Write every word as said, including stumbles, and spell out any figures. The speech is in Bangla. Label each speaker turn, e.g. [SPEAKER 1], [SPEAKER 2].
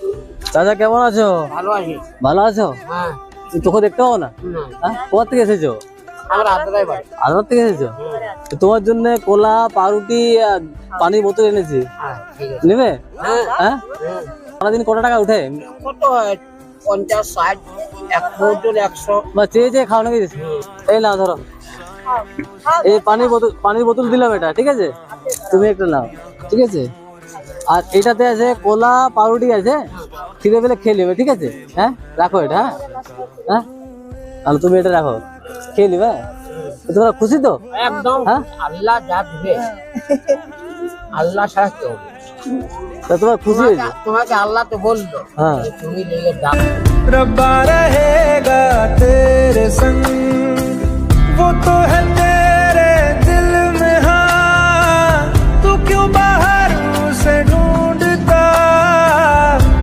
[SPEAKER 1] চাচা কেমন আছো?
[SPEAKER 2] ভালো আছি।
[SPEAKER 1] ভালো আছো?
[SPEAKER 2] হ্যাঁ।
[SPEAKER 1] তোকে দেখতে পাবো না? হ্যাঁ, কোথা থেকে এসেছো?
[SPEAKER 2] আমরা আদ্রাই বাড়ি।
[SPEAKER 1] আদালত থেকে এসেছো? তো তোমার জন্য কোলা, পাউরুটি আর পানির বোতল এনেছি,
[SPEAKER 2] হ্যাঁ, ঠিক আছে।
[SPEAKER 1] নেবে?
[SPEAKER 2] হ্যাঁ।
[SPEAKER 1] হ্যাঁ,
[SPEAKER 2] হ্যাঁ।
[SPEAKER 1] সারাদিন কত টাকা উঠে?
[SPEAKER 2] কত হয়? পঞ্চাশ, ষাট, এক বোতল একশো।
[SPEAKER 1] বা চেয়ে চেয়ে খাও নাকি? এই নাও ধরো, এই পানির বোতল, পানির বোতল দিলাম এটা, ঠিক আছে? তুমি একটা নাও, ঠিক আছে? আর এটাতে আছে কোলা, পাউরুটি আছে, খিদে পেলে খেয়ে নেবে, ঠিক আছে? হ্যাঁ, রাখো এটা। হ্যাঁ হ্যাঁ, তাহলে তুমি এটা রাখো, খেয়ে নিবে। তোমরা খুশি তো?
[SPEAKER 2] একদম।
[SPEAKER 1] হ্যাঁ,
[SPEAKER 2] আল্লাহ যা দিবে, আল্লাহ ছাড়া কেউ নেই।
[SPEAKER 1] তা তোমার খুশি হয়েছে?
[SPEAKER 2] তোমাকে আল্লাহ তো বললো
[SPEAKER 1] হ্যাঁ।
[SPEAKER 2] যে তুমি লেগে ডাক।
[SPEAKER 3] रब्बा रहेगा तेरे संग, वो तो है तेरे दिल में, हाँ तू क्यों बात